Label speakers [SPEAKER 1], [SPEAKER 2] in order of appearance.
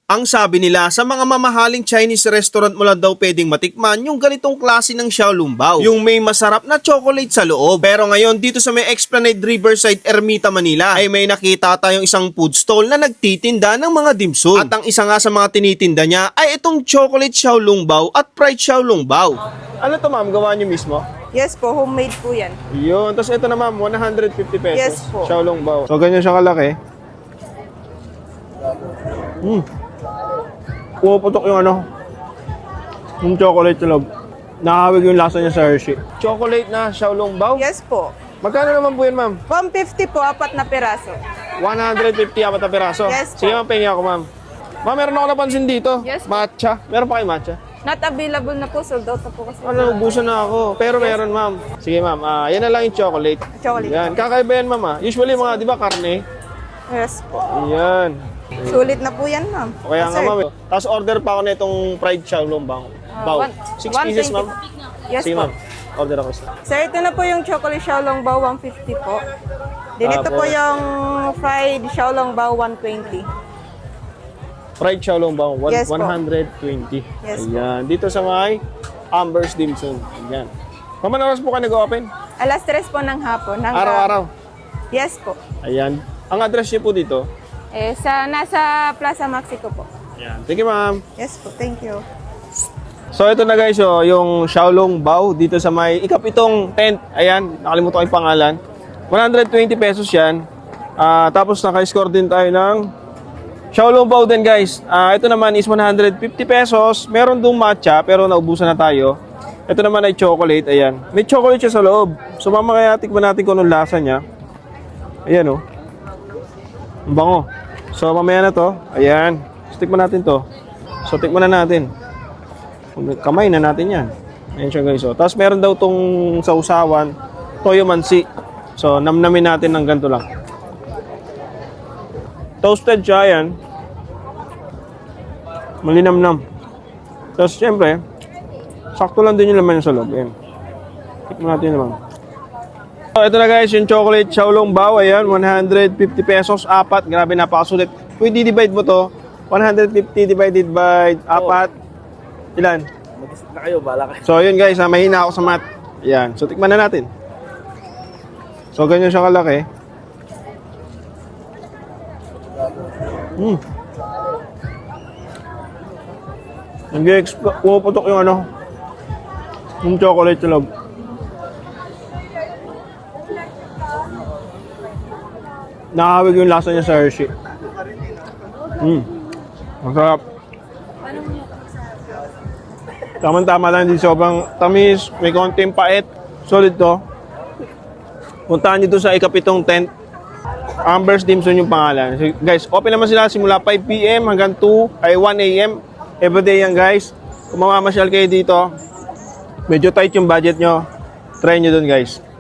[SPEAKER 1] Ang sabi nila, sa mga mamahaling Chinese restaurant mo lang daw pwedeng matikman yung ganitong klase ng xiaolongbao, yung may masarap na chocolate sa loob. Pero ngayon, dito sa may Esplanade Riverside, Ermita, Manila, ay may nakita tayong isang food stall na nagtitinda ng mga dimsum. At ang isa nga sa mga tinitinda niya ay itong chocolate xiaolongbao at fried xiaolongbao. Ano to ma'am, gawa niyo mismo?
[SPEAKER 2] Yes po, homemade po yan.
[SPEAKER 1] Yun, tapos ito na ma'am, 150 pesos.
[SPEAKER 2] Yes po.
[SPEAKER 1] Xiaolongbao. So ganyan siya kalaki. Pumuputok yung yung chocolate sa loob. Nakahawig yung lasa niya sa Hershey. Chocolate na xiaolongbao?
[SPEAKER 2] Yes po.
[SPEAKER 1] Magkano naman po yun, ma'am?
[SPEAKER 2] 150 po, 4 na piraso.
[SPEAKER 1] 150 apat na peraso?
[SPEAKER 2] Yes po.
[SPEAKER 1] Sige, ma'am, pahingi ako, ma'am. Ma'am, meron ako napansin dito.
[SPEAKER 2] Yes po.
[SPEAKER 1] Matcha. Meron pa kayo matcha?
[SPEAKER 2] Not available na po, sold out na po kasi.
[SPEAKER 1] Ubusan na ako. Pero meron, ma'am. Sige, ma'am. Yan na lang yung chocolate.
[SPEAKER 2] Chocolate.
[SPEAKER 1] Yan. Kakaiba yan, ma'am. Usually, mga, di ba, karne?
[SPEAKER 2] Yes po.
[SPEAKER 1] Yan.
[SPEAKER 2] Sulit na po yan, ma'am.
[SPEAKER 1] Kaya nga,
[SPEAKER 2] Sir.
[SPEAKER 1] ma'am. Tapos order pa ako na itong fried xiaolongbao. Bao. 6 pieces,
[SPEAKER 2] 120
[SPEAKER 1] ma'am.
[SPEAKER 2] po. Yes
[SPEAKER 1] Sige,
[SPEAKER 2] po.
[SPEAKER 1] ma'am. Order ako isa.
[SPEAKER 2] Sir, ito na po yung chocolate xiaolongbao, 150 po. Din ito po
[SPEAKER 1] Tapos?
[SPEAKER 2] yung fried xiaolongbao, 120.
[SPEAKER 1] Fried xiaolongbao,
[SPEAKER 2] Yes po.
[SPEAKER 1] 120.
[SPEAKER 2] Yes po.
[SPEAKER 1] Ayan. Dito sa may Amber's Dim Sum. Ayan. Ma'am, ano oras po ka nag-open?
[SPEAKER 2] Alas 3 po ng hapon.
[SPEAKER 1] Araw-araw.
[SPEAKER 2] Yes po.
[SPEAKER 1] Ayan. Ang address niyo po dito?
[SPEAKER 2] Nasa Plaza Mexico po.
[SPEAKER 1] Ayan. Thank you, ma'am.
[SPEAKER 2] Yes po, thank you.
[SPEAKER 1] So, ito na guys, yung xiaolongbao dito sa may ikapitong tent. Ayan. Nakalimutan ko yung pangalan. 120 pesos yan. Tapos naka-score din tayo ng xiaolongbao din guys. Ito naman is 150 pesos. Meron dong matcha pero naubusan na tayo. Ito naman ay chocolate. Ayan. May chocolate siya sa loob. So mamaya tikman natin kung anong lasa niya. Ayan Ang bango. So mamaya na to. Ayan. So, tikman natin to. So tikman na natin. Kamay na natin yan. Ayan siya guys. Tapos meron daw tong sausawan. Toyo mansi. So namnamin natin ng ganito lang. Toasted siya yan. Malinamnam. Tapos syempre, sakto lang din yung laman sa loob. Ayan. Tikman natin naman. So, ito na guys, yung chocolate xiaolongbao. Ayan, 150 pesos, apat. Grabe, napakasulit. Kung i-divide mo to, 150 divided by apat. Ilan?
[SPEAKER 3] Mag-isip na kayo, bala kayo.
[SPEAKER 1] So, yun guys, mahina ako sa math. Ayan. So, tikman na natin. So, ganyan siya kalaki. Pumuputok yung yung chocolate sa loob. Nakahawig yung lasa niya sa Hershey. Masarap. Tama-tama lang, hindi sobrang tamis, may konting pait. Solid to. Puntahan nyo doon sa ikapitong tent. Amber's Dim Sum yung pangalan. So, guys, open naman sila simula 5 PM hanggang 1 AM. Everyday yan guys. Kung mamamasyal kayo dito, medyo tight yung budget nyo, try nyo doon guys.